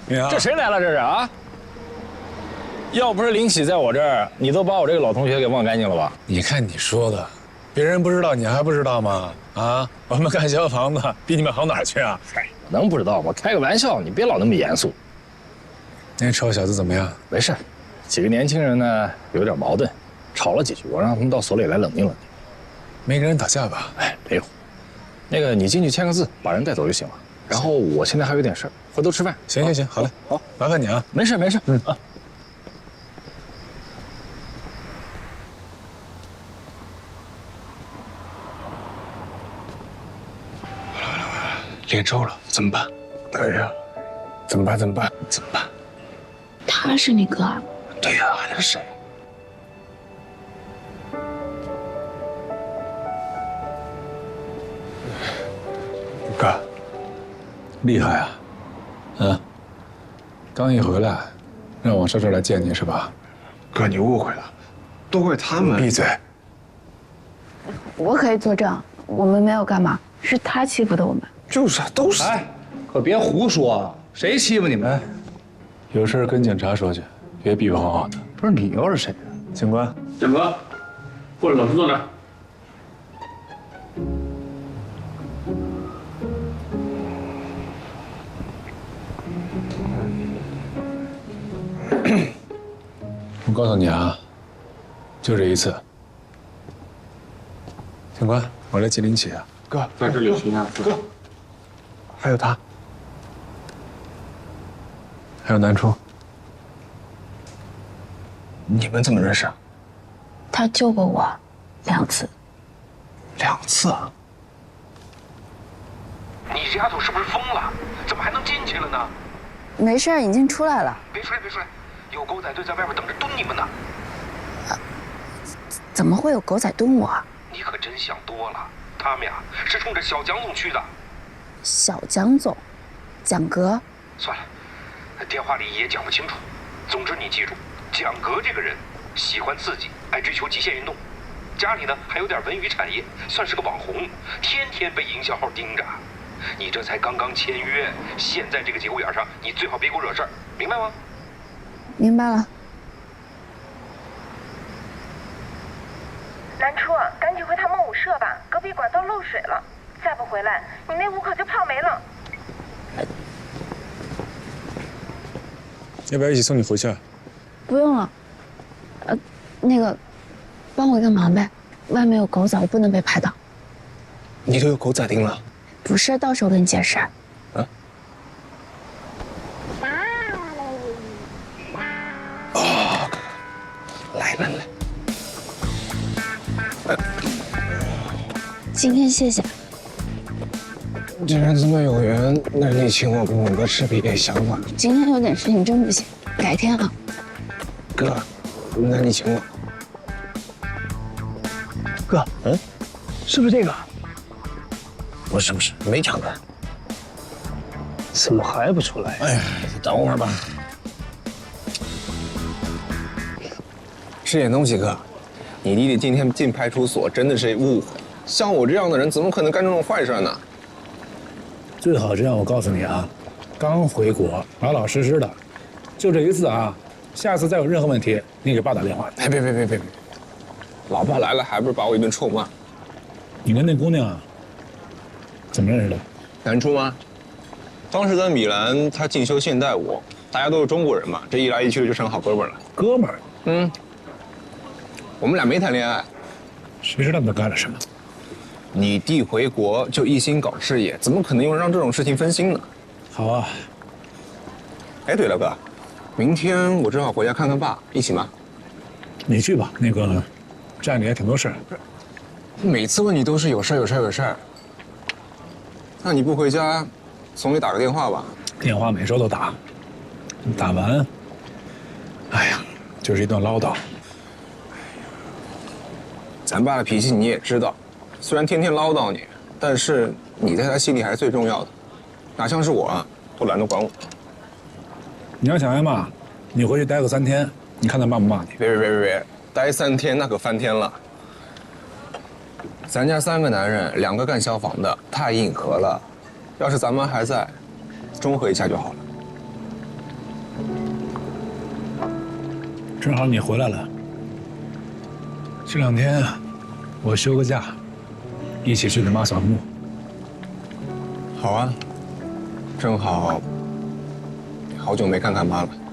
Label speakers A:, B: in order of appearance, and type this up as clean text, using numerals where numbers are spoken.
A: 你好，
B: 这谁来了？这是啊？要不是林喜在我这儿，你都把我这个老同学给忘干净了吧？
A: 你看你说的，别人不知道，你还不知道吗？啊，我们干消防的比你们好哪儿去啊？
B: 嗨，能不知道吗？开个玩笑，你别老那么严肃。
A: 那臭小子怎么样？
B: 没事，几个年轻人呢有点矛盾，吵了几句，我让他们到所里来冷静冷静。
A: 没跟人打架吧？
B: 哎，没有。那个你进去签个字，把人带走就行了。然后我现在还有点事儿，回头吃饭。
A: 行，好嘞，
B: 好，
A: 麻烦你啊。
B: 没事。啊。
A: 脸臭了，怎么办？哎呀，怎么办？
C: 他是你哥啊？
A: 对呀，还能是谁？哥，厉害啊！啊，刚一回来，让我上这儿来见你是吧？
D: 哥，你误会了，都怪他们。
A: 闭嘴！
C: 我可以作证，我们没有干嘛，是他欺负的我们。
D: 就是啊，都是。
E: 哎，可别胡说，谁欺负你们？
A: 有事跟警察说去，别比比划划的。
E: 不是你又是谁啊？
A: 警官，
F: 建哥，或者老师坐这儿。
A: 我告诉你啊，就这一次。警官，我来吉林起啊。
D: 哥，
F: 在这里行啊。
D: 哥，还有他，
A: 还有南初，
D: 你们怎么认识啊？
C: 他救过我2次。
D: 2次啊？
G: 你这丫头是不是疯了？怎么还能进去了呢？
C: 没事，已经出来了。
G: 别出来，有狗仔队在外边等着蹲你们呢。
C: 怎么会有狗仔蹲我？
G: 你可真想多了，他们呀是冲着小蒋总去的。
C: 小蒋总，蒋格。
G: 算了，电话里也讲不清楚。总之你记住，蒋格这个人喜欢刺激，爱追求极限运动，家里呢还有点文娱产业，算是个网红，天天被营销号盯着。你这才刚刚签约，现在这个节骨眼上，你最好别给我惹事儿，明白吗？
C: 明白了。
H: 南初，赶紧回他们舞社吧，隔壁管道漏水了，再不回来，你那舞可就泡没了。
A: 要不要一起送你回去啊？
C: 不用了。那个，帮我一个忙呗，外面有狗仔，我不能被拍到。
D: 你都有狗仔盯了？
C: 不是，到时候跟你解释。
D: 啊？哦，来。
C: 今天谢谢。
D: 既然这么有缘，那你请我跟我哥吃别的想法。
C: 今天有点事情，真不行，改天啊。
D: 哥，那你请我。哥，是不是这个？不是，没抢到。怎么还不出来？哎呀，等会儿吧。吃点东西，哥。你弟弟今天进派出所真的是误会，像我这样的人怎么可能干这种坏事呢？
A: 最好这样，我告诉你啊，刚回国，老老实实的，就这一次啊，下次再有任何问题，你给爸打电话。
D: 哎，别，老爸来了还不是把我一顿臭骂？
A: 你跟那姑娘怎么认识的？
D: 南初吗？当时在米兰，他进修现代舞，大家都是中国人嘛，这一来一去的就成好哥们儿了。
A: 哥们儿。
D: 我们俩没谈恋爱。
A: 谁知道你们干了什么？
D: 你弟回国就一心搞事业，怎么可能有人让这种事情分心呢？
A: 好啊。
D: 哎，对了，哥，明天我正好回家看看爸，一起吗？
A: 你去吧，那个站里还挺多事儿。
D: 每次问你都是有事儿。那你不回家，总得打个电话吧？
A: 电话每周都打，打完，哎呀，就是一顿唠叨。
D: 咱爸的脾气你也知道，虽然天天唠叨你，但是你在他心里还是最重要的，哪像是我啊，都懒得管我。
A: 你要想挨骂，你回去待个3天，你看他骂不骂你？
D: 别，待3天那可翻天了。咱家3个男人，2个干消防的，太硬核了。要是咱们还在，中和一下就好了。
A: 正好你回来了，这2天我休个假，一起去给妈扫墓。
I: 好啊，正好好久没看看妈了。